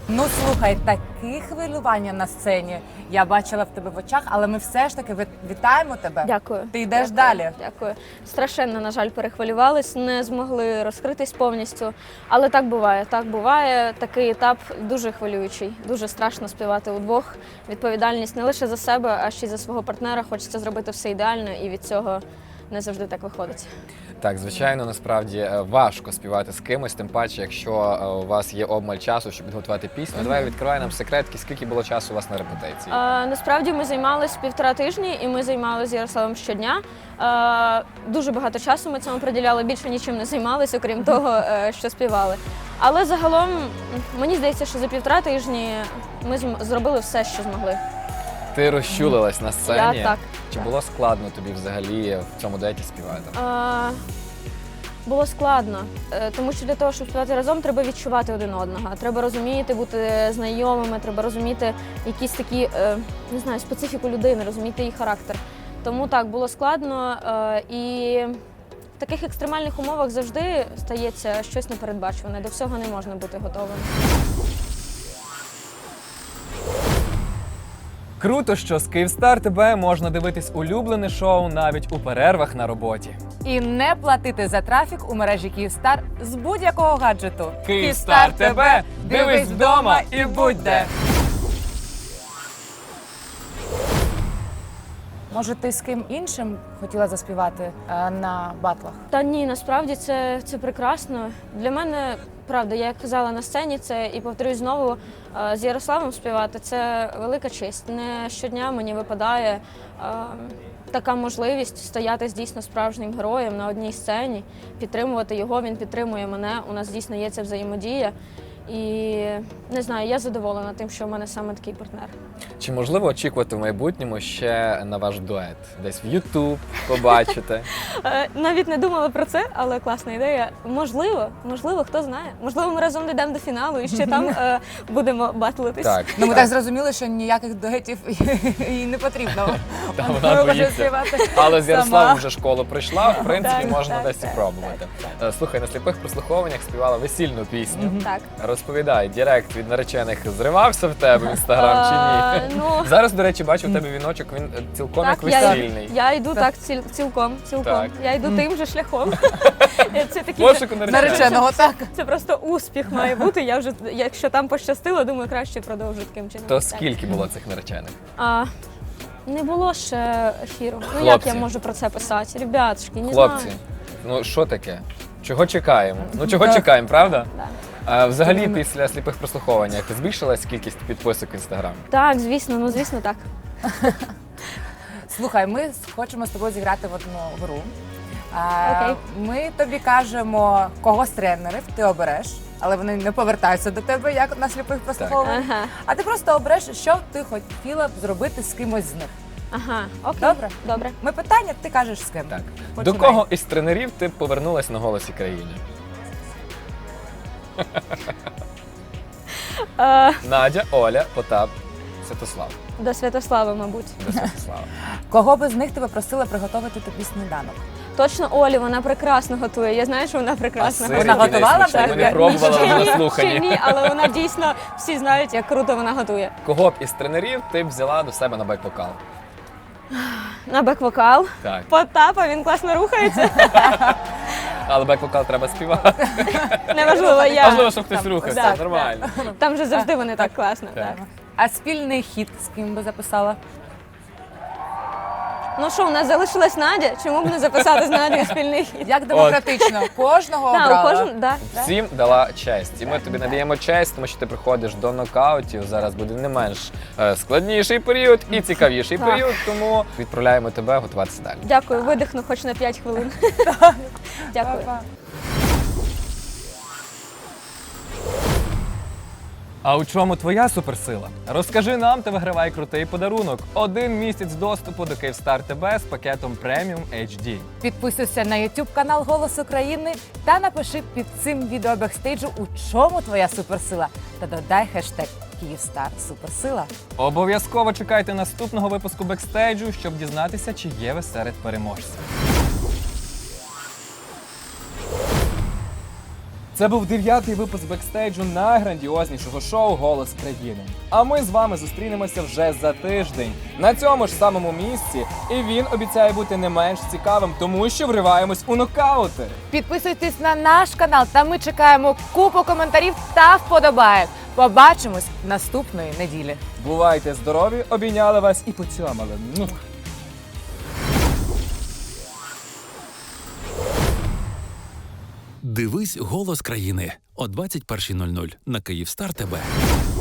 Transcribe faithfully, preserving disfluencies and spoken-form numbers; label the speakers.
Speaker 1: Ну, слухай, такі хвилювання на сцені я бачила в тебе в очах, але ми все ж таки ви- вітаємо тебе.
Speaker 2: Дякую.
Speaker 1: Ти йдеш
Speaker 2: Дякую.
Speaker 1: далі.
Speaker 2: Дякую. Страшенно, на жаль, перехвилювались, не змогли розкритись повністю. Але так буває. Так буває. Такий етап дуже хвилюючий. Дуже страшно співати удвох. Відповідальність не лише за себе, а ще й за свого партнера. Хочеться зробити все ідеально, і від цього не завжди так виходить.
Speaker 3: Так, звичайно, насправді е, важко співати з кимось, тим паче, якщо е, у вас є обмаль часу, щоб підготувати пісню. Давай відкривай нам секретки, скільки було часу у вас на репетиції.
Speaker 2: Е, насправді ми займалися півтора тижні, і ми займалися з Ярославом щодня. Е, дуже багато часу ми цьому приділяли, більше нічим не займалися, окрім того, е, що співали. Але загалом мені здається, що за півтора тижні ми зм- зробили все, що змогли.
Speaker 3: Ти розчулилась на сцені.
Speaker 2: Я так.
Speaker 3: Чи було складно тобі взагалі в цьому дуеті співати?
Speaker 2: Е, Було складно, е, тому що для того, щоб співати разом, треба відчувати один одного. Треба розуміти, бути знайомими, треба розуміти якісь такі, е, не знаю, специфіку людини, розуміти її характер. Тому так, було складно, е, і в таких екстремальних умовах завжди стається щось непередбачуване. До всього не можна бути готовим.
Speaker 4: Круто, що з Київстар ТБ можна дивитись улюблене шоу навіть у перервах на роботі.
Speaker 1: І не платити за трафік у мережі Київстар з будь-якого гаджету.
Speaker 4: Київстар ТБ! Дивись вдома і будь де!
Speaker 1: Може, ти з ким іншим хотіла заспівати е, на батлах?
Speaker 2: Та ні, насправді це, це прекрасно. Для мене, правда, я як казала на сцені, це і повторюсь знову, е, з Ярославом співати це велика честь. Не щодня мені випадає е, така можливість стояти з дійсно справжнім героєм на одній сцені, підтримувати його, він підтримує мене. У нас дійсно є ця взаємодія. І не знаю, я задоволена тим, що в мене саме такий партнер.
Speaker 3: Чи можливо очікувати в майбутньому ще на ваш дует? Десь в Ютуб побачите?
Speaker 2: Е, Навіть не думала про це, але класна ідея. Можливо, можливо, хто знає. Можливо, ми разом дійдемо до фіналу і ще там е, будемо батлитись.
Speaker 3: Так.
Speaker 1: Ну, ми так зрозуміли, що ніяких дуетів їй не потрібно.
Speaker 3: Та
Speaker 1: Вона
Speaker 3: вона
Speaker 1: може
Speaker 3: боїться.
Speaker 1: співати
Speaker 3: Але з
Speaker 1: сама.
Speaker 3: Ярославом вже школу пройшла, в принципі,
Speaker 2: Так,
Speaker 3: можна
Speaker 2: так,
Speaker 3: десь
Speaker 2: так,
Speaker 3: і пробувати. Е, Слухай, на сліпих прослуховуваннях співала весільну пісню.
Speaker 2: Так.
Speaker 3: Розповідай, директ від наречених зривався в тебе в інстаграм чи
Speaker 2: Е,
Speaker 3: ні?
Speaker 2: ну,
Speaker 3: Зараз, до речі, бачу в тебе віночок, він е, цілком як
Speaker 2: Так, я,
Speaker 3: весільний.
Speaker 2: я йду так ціл, цілком, цілком.
Speaker 3: Так.
Speaker 2: Я йду тим же шляхом. Це такі
Speaker 3: Пошуку наречених.
Speaker 1: Нареченого, так.
Speaker 2: це просто успіх має бути. Я вже, якщо там пощастило, думаю, краще продовжу таким чином.
Speaker 3: То
Speaker 2: Так.
Speaker 3: скільки було цих наречених?
Speaker 2: А, не було ще ефіру. Ну як
Speaker 3: Хлопці.
Speaker 2: я можу про це писати? Ребятушки, не
Speaker 3: Хлопці,
Speaker 2: знаю.
Speaker 3: ну що таке? Чого чекаємо? Ну чого чекаємо, правда?
Speaker 2: Да.
Speaker 3: А взагалі після сліпих прослуховувань збільшилась кількість підписок в інстаграм?
Speaker 2: Так, звісно, ну звісно так.
Speaker 1: Слухай, ми хочемо з тобою зіграти в одну гру. А,
Speaker 2: Окей.
Speaker 1: Ми тобі кажемо, кого з тренерів ти обереш, але вони не повертаються до тебе, як на сліпих прослуховуваннях.
Speaker 2: Ага,
Speaker 1: А ти просто обереш, що б ти хотіла б зробити з кимось з них.
Speaker 2: ага, окей.
Speaker 1: Добре?
Speaker 2: Добре.
Speaker 1: Ми питання, ти кажеш з ким.
Speaker 3: Так. До
Speaker 1: Починай.
Speaker 3: кого із тренерів ти б повернулась на голосі країни?
Speaker 2: Е,
Speaker 3: Надя, Оля, Потап, Святослав.
Speaker 2: до Святослава, мабуть.
Speaker 3: До Святослава.
Speaker 1: Кого би з них тебе просила приготувати тобі сніданок?
Speaker 2: Точно Олі, вона прекрасно готує. Я знаю, що вона прекрасно
Speaker 3: сир,
Speaker 1: Вона
Speaker 3: який
Speaker 1: готувала
Speaker 3: найсмачніший?
Speaker 1: так?
Speaker 3: Ми не пробували
Speaker 2: Ще
Speaker 3: вже
Speaker 2: ні,
Speaker 3: на
Speaker 2: ще
Speaker 3: слуханні.
Speaker 2: ні, але вона дійсно, всі знають, як круто вона готує.
Speaker 3: Кого б із тренерів ти б взяла до себе на бек-вокал?
Speaker 2: На бек-вокал.
Speaker 3: Так.
Speaker 2: Потапа, він класно рухається.
Speaker 3: Але бек-вокал треба співати.
Speaker 2: Неважливо, я.
Speaker 3: Важливо, щоб хтось рухався.
Speaker 2: так,
Speaker 3: Нормально.
Speaker 2: Там же завжди вони так класно.
Speaker 3: Так.
Speaker 2: Так.
Speaker 1: А спільний хіт з ким би записала?
Speaker 2: Ну що, у нас залишилась Надя, чому б не записати з Надією спільний хід?
Speaker 1: Як демократично? Кожного
Speaker 2: Так, у
Speaker 1: обрала.
Speaker 2: кожен, да.
Speaker 3: Всім дала честь. І ми тобі надаємо честь, тому що ти приходиш до нокаутів. Зараз буде не менш е, складніший період і цікавіший
Speaker 2: Так.
Speaker 3: період, тому відправляємо тебе готуватися далі.
Speaker 2: Дякую, видихну хоч на п'ять хвилин. Дякую.
Speaker 1: Па-па.
Speaker 4: А у чому твоя суперсила? Розкажи нам та вигравай крутий подарунок. Один місяць доступу до Київстар ТБ з пакетом преміум ейч ді.
Speaker 1: Підписуйся на YouTube канал Голос України та напиши під цим відео бекстейджу, у чому твоя суперсила. Та додай хештег Київстар Суперсила.
Speaker 4: Обов'язково чекайте наступного випуску бекстейджу, щоб дізнатися, чи є ви серед переможців. Це був дев'ятий випуск бекстейджу найграндіознішого шоу «Голос країни». А ми з вами зустрінемося вже за тиждень на цьому ж самому місці. І він обіцяє бути не менш цікавим, тому що вриваємось у нокаути.
Speaker 1: Підписуйтесь на наш канал, та ми чекаємо купу коментарів та вподобаєк. Побачимось наступної неділі.
Speaker 4: Бувайте здорові, обійняли вас і поцьомали. Мух.
Speaker 5: Дивись «Голос країни» о двадцять першій нуль нуль на Київстар ТВ.